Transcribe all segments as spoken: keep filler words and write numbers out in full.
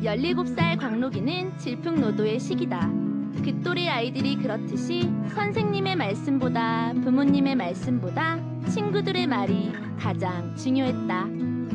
열일곱 살 광록이는 질풍노도의 시기다. 그 또래 아이들이 그렇듯이 선생님의 말씀보다 부모님의 말씀보다 친구들의 말이 가장 중요했다.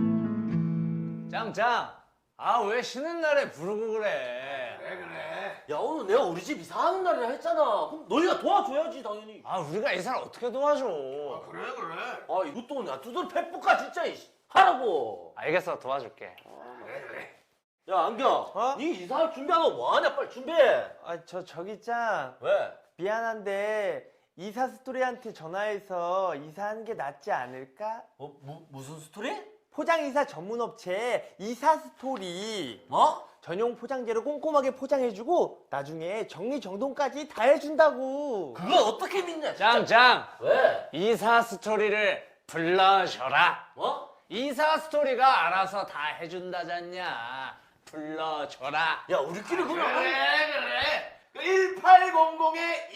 짱짱, 아 왜 쉬는 날에 부르고 그래? 그래 그래. 야, 오늘 내가 우리 집 이사하는 날이라 했잖아. 그럼 너희가 도와줘야지, 당연히. 아 우리가 이사를 어떻게 도와줘? 아 그래 그래. 아, 이것도 나 두들 패뿌까 진짜. 이씨. 하라고. 알겠어, 도와줄게. 그래 그래. 야, 안경. 어? 니 이사할 준비하고 뭐하냐? 빨리 준비해. 아, 저 저기 짱 왜? 미안한데 이사 스토리한테 전화해서 이사하는 게 낫지 않을까? 어, 무, 무슨 스토리? 포장 이사 전문 업체 이사 스토리. 뭐? 전용 포장재로 꼼꼼하게 포장해주고 나중에 정리정돈까지 다 해준다고. 그걸 어떻게 믿냐, 진짜. 짱짱, 왜? 이사 스토리를 불러줘라. 뭐? 이사 스토리가 알아서 다 해준다잖냐. 불러줘라. 야, 우리끼리 그래 그냥. 그래. 그 일팔공공에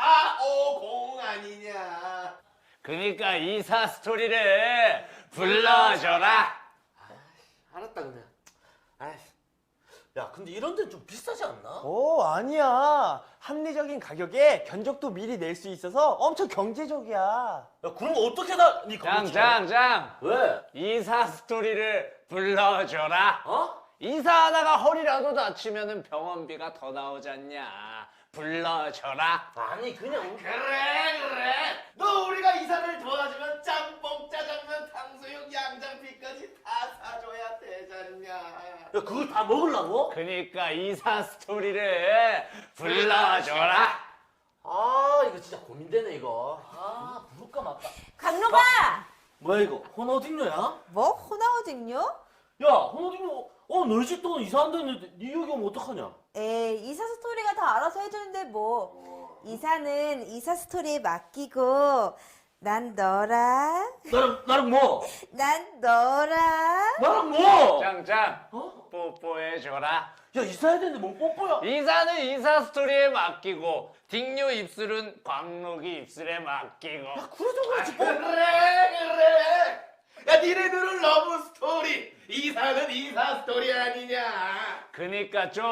이사오공 아니냐. 그니까 이사 스토리를 불러줘라. 알았다, 그냥. 아이씨. 야, 근데 이런 데는 좀 비싸지 않나? 오, 아니야. 합리적인 가격에 견적도 미리 낼 수 있어서 엄청 경제적이야. 야, 그럼 어떻게 다, 니 그거 짱짱짱, 왜? 이사 스토리를 불러줘라. 어? 이사하다가 허리라도 다치면은 병원비가 더 나오잖냐. 불러줘라. 아니, 그냥. 그래 그래. 너 우리가 이사를 도와주면 짬뽕 짜장면 탕수육 양장피까지 다 사줘야 되잖냐. 야, 그걸 다 먹으려고? 그니까 이사 스토리를 불러줘라. 아, 이거 진짜 고민되네, 이거. 아, 부를까 말까. 강로가! 뭐야, 이거? 호나우딩녀야? 뭐? 호나우딩요? 야, 호나우딩녀, 어, 너희 집도 이사한다는데 니 여기 오면 어떡하냐? 에이, 이사 스토리가 다 알아서 해주는데 뭐. 이사는 이사 스토리에 맡기고 난 너랑 나랑, 나랑 뭐? 난 너랑 나랑 뭐? 짱짱, 어? 뽀뽀해줘라. 야, 이사해야 되는데 뭐 뽀뽀야? 이사는 이사 스토리에 맡기고 딩요 입술은 광록이 입술에 맡기고. 그래도 그렇지, 뽀 그래 그래. 야 니네들은 러브 스토리. 이사는 이사 스토리 아니냐. 그니까 좀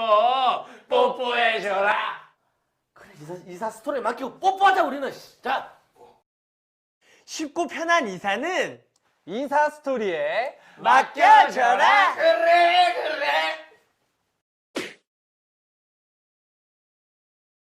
뽀뽀해줘라. 그래, 이사, 이사 스토리에 맡기고 뽀뽀하자, 우리는. 씨. 자. 쉽고 편한 이사는 이사 스토리에 맡겨줘라. 그래 그래.